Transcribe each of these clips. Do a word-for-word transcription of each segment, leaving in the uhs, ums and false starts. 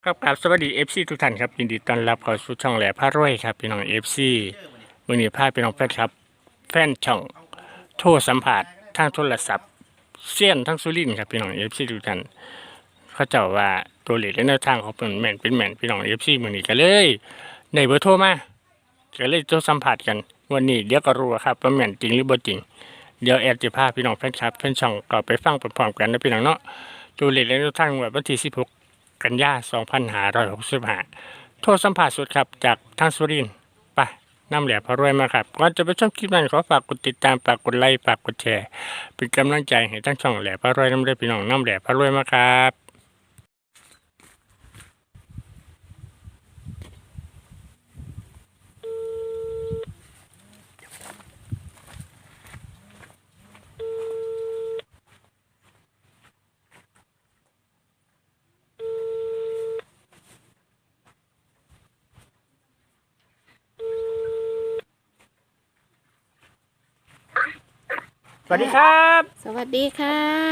ครับครับสวัสดีเอฟซีทุกท่านครับยินดีต้อนรับเข้าสู่ช่องแหล่พระรวยครับพี่น้องเอฟซีมื้อนี้พาพี่น้องแฟนครับแฟนช่องโทรสัมภาษณ์ทางโทรศัพท์เซียนทั้งสุรินทร์ครับพี่น้องเอฟซีทุกท่านเขาเจ้าว่าตัวเลขและแนวทางของเป็นแม่นเป็นแม่นพี่น้องเอฟซีมื้อนี้ก็เลยในเบอร์โทรมาก็เลยโทรสัมภาษณ์กันวันนี้เดี๋ยวก็รู้ครับว่าแม่นจริงหรือบ่จริงเดี๋ยวแอดจะพาพี่น้องแฟนครับแฟนช่องก็ไปฟังพร้อมๆกันนะพี่น้องเนาะตัวเลขและแนวทางวันที่สิบหกกันยายนสองพันห้าร้อยหกสิบห้าโทรสัมภาษณ์สดครับจากทางสุรินทร์ไปน้ำแหลมพระรวยมาครับก่อนจะไปชมคลิปนั้นขอฝากกดติดตามฝากกดไลค์ฝากกดแชร์เป็นกำลังใจให้ทั้งช่องแหลมพระรวยน้ำเลือพี่น้องน้ำแหลมพระรวยมาครับสวัสดีครับสวัสดีค่ะ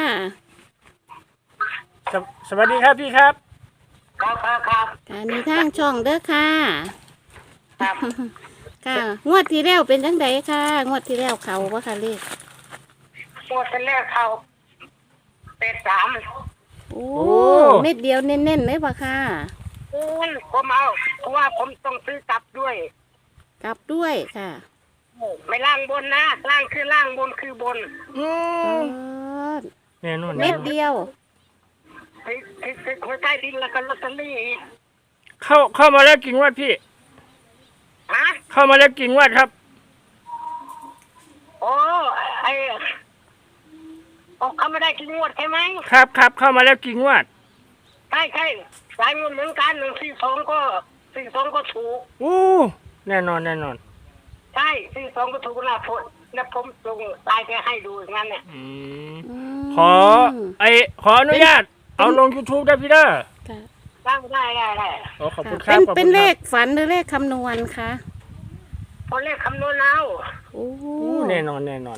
สวสวัสดีครับพี่ครับครับครับครับการมีทางช่องเด้อค่ะครับค่ะ งวดที่แล้วเป็นจังไดค่ะ งวดที่แล้วเขาว่าค่ะเลขหมดเป็นแรกเขาเป็ดสามโอ้ เม็ดเดียวเน้นๆเลยป่ะค่ะอืมผมเอาเพราะว่าผมต้องซื้อกลับด้วยกลับด้วยค่ะไม่ล่างบนนะล่างคือล่างบนคือบนอืเอมอแน่นอนเม็ดเดียวติดติดติดหัวใต้ดินแล้วก็ลอตเตอรี่อีกเข้าเข้ามาแล้วกิ่งวัดพี่ฮะเข้ามาแล้วกิ่งวัดครับโอ้ไอโอ้เขาไม่ได้กินงวดใช่ไหมครับครับเข้ามาแล้วกิ่งวัดใช่ใช่สายเงินเหมือนกันหนึ่งสี่สองก็สี่สองก็ถูกอู้แน่นอนแน่นอนใช่สี่สองก็ถูกนะผมนะผมส่งไลน์ไปให้ดูอย่างนั้นเนี่ยอืมอืมขอไอขออนุญาตเอาลง YouTube ได้พี่เด้อค่ะล่างได้ได้ได้โอ้ขอบคุณคเป็รับนขอบคุณครับเป็นเลขฝันหรือเลขคำนวณคะพอเลขคำนวณเอาโอ้อู้แน่นอนแน่นอน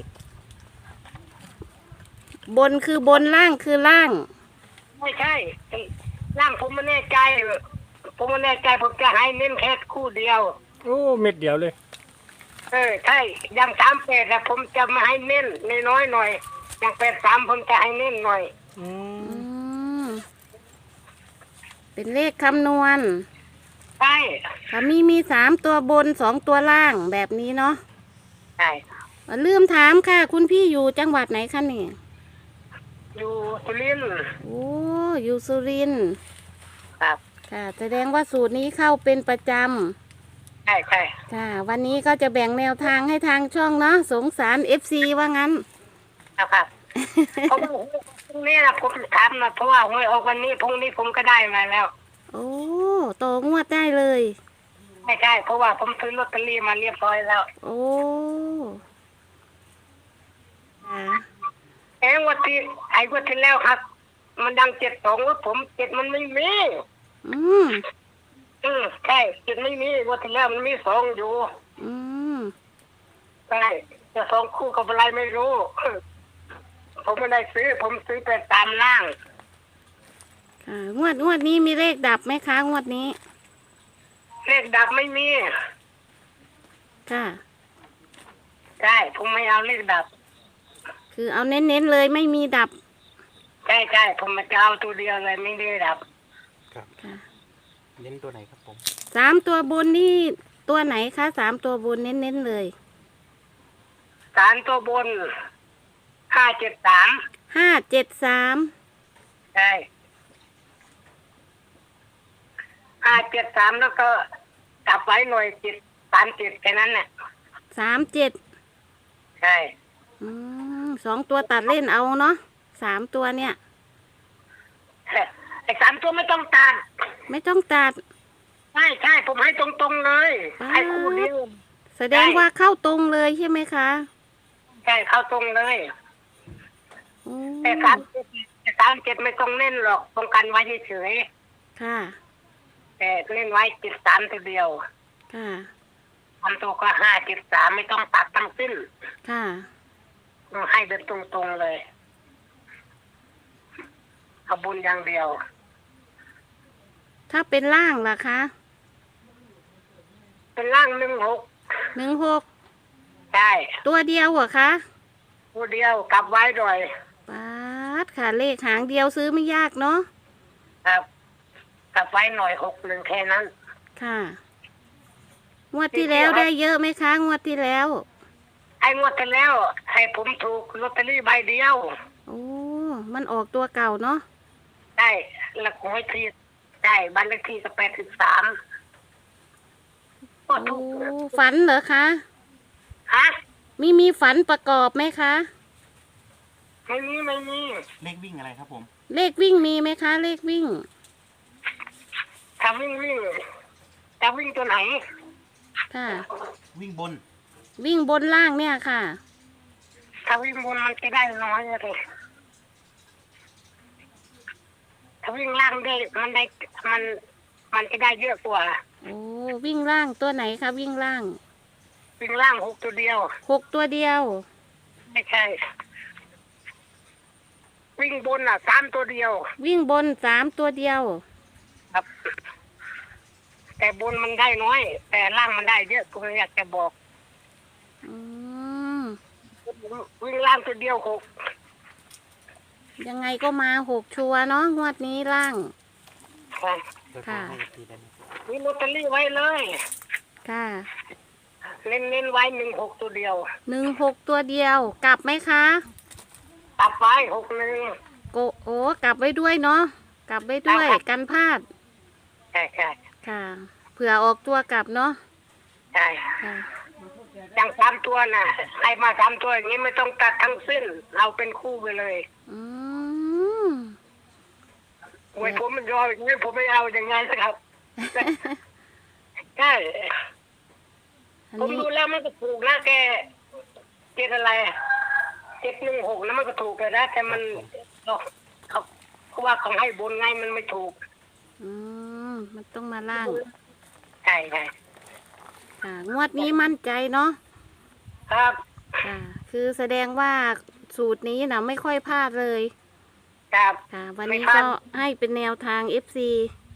บนคือบนล่างคือล่างไม่ใช่ร่างผมไม่แน่ใจ ผมไม่แน่ใจผมจะให้เน้นแค่คู่เดียวโอ้เม็ดเดียวเลยเออใช่อย่างสามแปดนะผมจะมาให้เน้นน้อยๆหน่อยอย่างแปดสามผมจะให้เน้นหน่อยอืมอืม เป็นเลขคำนวณใช่ค่ะมีมีสามตัวบนสองตัวล่างแบบนี้เนาะใช่ลืมถามค่ะ คุณพี่อยู่จังหวัดไหนคะเนี่ยอยู่สุรินทร์โอ้อยู่สุรินทร์ครับค่ะ แสดงว่าสูตรนี้เข้าเป็นประจใช่ใช่ำค่ะ วันนี้ก็จะแบ่งแนวทางให้ทางช่องเนาะสงสารเอฟซีว่างั้นครับครับเพราะว่าพรุ่งนี้นะผมถามนะเพราะว่าหวยออกวันนี้พรุ่งนี้ผมก็ได้มาแล้วโอ้โตงวดได้เลยไม่ใช่เพราะว่าผมซื้อลอตเตอรี่มาเรียบร้อยแล้วโอ้ค่ะเอ้งวันที่ไอ้วันที่แล้วครับ มันดังเจ็ดสองว่าผมเจ็ดมันไม่มีอืมอืมใช่เจ็ดไม่มีวันที่แล้วมันมีสองอยู่อืมใช่จะสองคู่กับอะไรไม่รู้ ผมไม่ได้ซื้อ ผมซื้อไปตามล่างค่ะงวดงวดนี้มีเลขดับไหมคะงวดนี้เลขดับไม่มีค่ะใช่ผมไม่เอาเลขดับคือเอาเน้นๆเลยไม่มีดับใช่ใช่ผมจะเอาตัวเดียวเลยไม่ได้ดับค่ะเน้นตัวไหนครับผมสามตัวบนนี่ตัวไหนคะสามตัวบนเน้นๆเลยสารตัวบนห้าเจ็ดสามห้าเจ็ดสามใช่ห้าเจ็ดสามแล้วก็กลับไว้หน่อยจิตสามจิตแค่นั้นน่ะสามเจ็ดใช่อืมสองตัวตัดเล่นเอาเนาะสามตัวเนี่ยไอ้สามตัวไม่ต้องตัดไม่ต้องตัดใช่ใช่ผมให้ตรงๆเลยป๊าดให้คู่เดียวแสดงว่าเข้าตรงเลยใช่ไหมคะใช่เข้าตรงเลยโอ้แต่สามเจ็ดแต่สามเจ็ดไม่ต้องเน้นหรอกต้องกันไว้เฉยค่ะๆแต่เน้นไว้จิตสามตัวเดียวค่ะทำตัวก็ห้าจิตสามไม่ต้องตัดทั้งสิ้นค่ะให้แบบตรงๆเลยเอาบุญอย่างเดียวถ้าเป็นล่างล่ะคะเป็นล่างหนึ่งหกหนึ่งหกใช่ตัวเดียวเหรอคะตัวเดียวกลับไว้หน่อยป๊าดค่ะเลขหางเดียวซื้อไม่ยากเนาะครับกลับไว้หน่อยหกหนึ่งแค่นั้นค่ะงวดที่แล้วได้เยอะไหมคะงวดที่แล้วไอ้งวดที่แล้วให้ผมถูกลอตเตอรี่ใบเดียวโอ้มันออกตัวเก่าเนาะได้แล้วหวยที่ได้บ้านเลขที่ก็แปดสิบสามก็โอ้ถูกฝันเหรอคะฮะมีมีฝันประกอบไหมคะไม่มีไม่มีเลขวิ่งอะไรครับผมเลขวิ่งมีไหมคะ เลขวิ่งถ้าวิ่งวิ่งจะวิ่งตัวไหนค่ะวิ่งบนวิ่งบนล่างเนี่ยค่ะถ้าวิ่งบนมันจะได้น้อยเลยถ้าวิ่งล่างได้มันได้มันมันจะได้เยอะกว่าโอ้วิ่งล่างตัวไหนคะวิ่งล่างวิ่งล่างหกตัวเดียวหกตัวเดียวไม่ใช่ วิ่งบนอ่ะสามตัวเดียววิ่งบนสามตัวเดียวครับ แต่บนมันได้น้อย แต่ล่างมันได้เยอะผมอยากจะบอกอืมวิ่งล่างตัวเดียวหกยังไงก็มาหกชัวร์เนาะงวดนี้ล่างค่ะเดี๋ยวค่ะให้ทีได้ไหมมีลอตเตอรี่ไว้เลยค่ะเน้นเน้นๆไว้หนึ่งหกตัวเดียวหนึ่งหกตัวเดียว กลับไหมคะตัดไว้หกหนึ่งโกโอ้กลับไว้ด้วยเนาะกลับไว้ด้วยครับกันพลาดใช่ใช่ค่ะ เผื่อออกตัวกลับเนาะใช่ค่ะอย่างสามตัวน่ะใครมาสามตัวอย่างนี้ไม่ต้องตัดทั้งสิ้นเอาเป็นคู่ไปเลยอืมโอ้ยผมมันยอมอย่างนี้ผมไม่เอาอย่างไงสักครับ ใช่อันผมนี้ดูแล้วมันก็ถูกนะแกเจ็ดอะไรเจ็ดหนึ่งหกนะมันก็ถูกเลยนะแต่มันเขาเขาเขาว่าเขาให้บนไงมันไม่ถูกอืมมันต้องมาล่างใช่ใช่ค่ะ งวดนี้มั่นใจเนาะครับค่ะ คือแสดงว่าสูตรนี้นะไม่ค่อยพลาดเลยครับค่ะ วันนี้ไม่พลาดก็ให้เป็นแนวทาง เอฟ ซี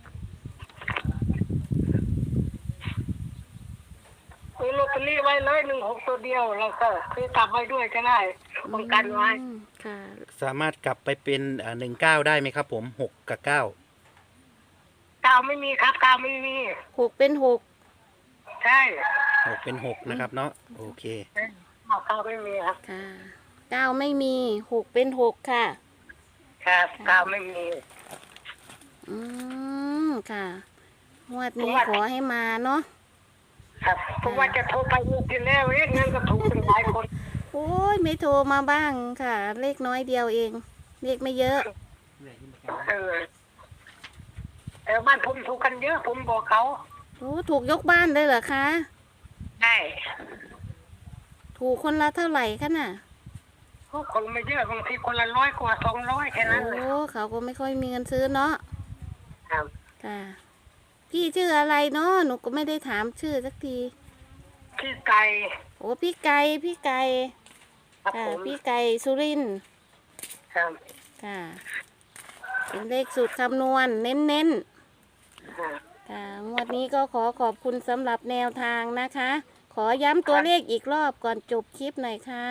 มีลอตเตอรี่ไว้เลยหนึ่งหกตัวเดียวแล้วก็คือกลับไว้ด้วยก็ได้ป้องกันไว้อืมค่ะสามารถกลับไปเป็นหนึ่งเก้าได้ไหมครับผมหกกับเก้ากาวไม่มีครับกาวไม่มีหกเป็นหกใช่หกเป็นหกนะครับเนาะโอเคกาวไม่มีครับค่ะเก้าไม่มีหกเป็นหกค่ะครับกาวไม่มีอืมค่ะงวดนี้ผมว่าขอให้มาเนาะครับผมว่าจะโทรไปเมื่อกี้แล้วเอ๊ะงั้นก็ถูกเป็นหลายคนโอ้ยไม่โทรมาบ้างค่ะ เลขน้อยเดียวเอง เลขไม่เยอะเออแต่บ้านผมถูกกันเยอะ ผมบอกเขาโอ้ถูกยกบ้านเลยเหรอคะใช่ถูกคนละเท่าไหร่คะน่ะพวกคนไม่เยอะบางทีคนละร้อยกว่าสองร้อยแค่นั้นเลยโอ้เขาก็ไม่ค่อยมีเงินซื้อเนาะครับค่ะ พี่ชื่ออะไรเนาะหนูก็ไม่ได้ถามชื่อสักทีพี่ไก่โอ้พี่ไก่พี่ไก่ครับค่ะผมพี่ไก่สุรินทร์ครับค่ะ เป็นเลขสูตรคำนวณเน้นๆครับค่ะงวดนี้ก็ขอขอบคุณสำหรับแนวทางนะคะ ขอย้ำตัวเลขอีกรอบก่อนจบคลิปหน่อยค่ะ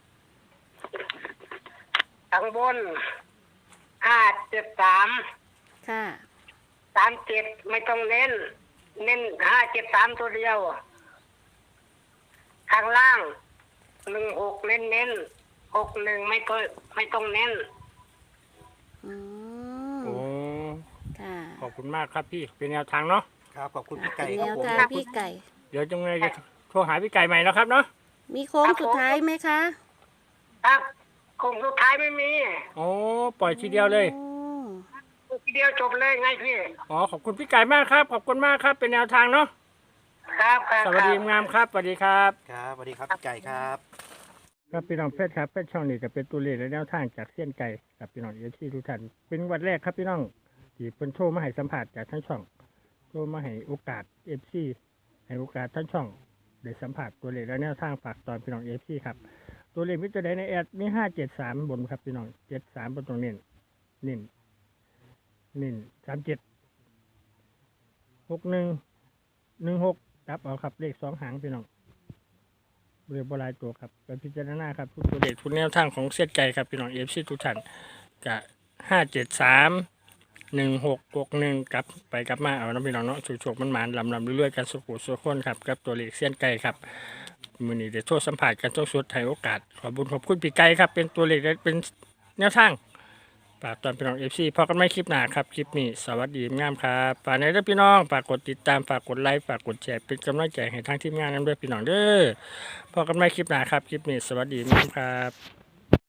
ข้างบนห้าเจ็ดสามค่ะสามเจ็ดไม่ต้องเน้น เน้นห้าเจ็ดสามตัวเดียว ข้างล่างหนึ่งหกเน้นเน้นหกหนึ่งไม่ต้องไม่ต้องเน้นอืมโอ้ค่ะขอบคุณมากครับพี่เป็นแนวทางเนาะครับขอบคุณพี่ไก่เป็นคแนรับวผมทางขอบคุพี่ณไก่เดี๋ยวจังไงจะโทรหาพี่ไก่ใหม่นะครับเนาะมีโค้งสุดท้ายไหมคะครับคงสุดท้ายไม่มีโอ้ปล่อยทีเดียวเลยโอ้ทีเดียวจบเลยไงพี่อ๋อขอบคุณพี่ไก่มากครับขอบคุณมากครับเป็นแนวทางเนาะครับครับสวัสดีงามครับสวัสดีครับครับสวัสดีครับพี่ไก่ครับครับพี่น้องเพชรครับเพชรช่องนี้จะเป็นตัวเลขและแนวทางจากเส้ยนไก่กับพี่น้องเอฟซีทุกท่านเป็นวันแรกครับพี่น้องที่เป็นโทรมาให้สัมผัสจากทั้งช่องโทรมาให้โอกาสเอฟซีให้โอกาสทั้งช่องได้สัมผัสตัวเลขและแนวทางฝากตอนพี่น้องเอฟซีครับตัวเลขมิตรใดในแอดมีห้าเจ็ดสามบนครับพี่น้องเจ็ดสามบนตรงเน้นเน้นเน้นสามเจ็ดหกหนึ่งหนึ่งหกครับเอาครับเลขสองหางพี่น้องเรียบร้อยตัวครับไปพิจารณาครับทุกตัวเลขทุกแนวทางของเสียใจครับพี่น้องเอฟซีทุกท่านกะห้าเจ็ดสามหนึ่งหกหกหนึ่งกลับไปกลับมาเอาน้ำพี่น้องเนาะโฉกๆมันหมานลำลำเรื่อยๆกันสุขุสุขคนครับกับตัวเลขเสี้ยนไก่ครับมือนี้เดี๋ยวโทษสัมผัสกันทุกสุดให้โอกาสขอบุญขอบคุณพี่ไก่ครับเป็นตัวเลขและเป็นแนวทางฝากตอนพี่น้องเอฟซีพอกันไม่คลิปหน้าครับคลิปนี้สวัสดีงามครับฝากในเรื่องพี่น้องฝากกดติดตามฝากกดไลค์ฝากกดแชร์เป็นกำลังใจให้ทางทีมงานนั้นด้วยพี่น้องเด้อพอกันไม่คลิปหน้าครับคลิปนี้สวัสดีงามครับ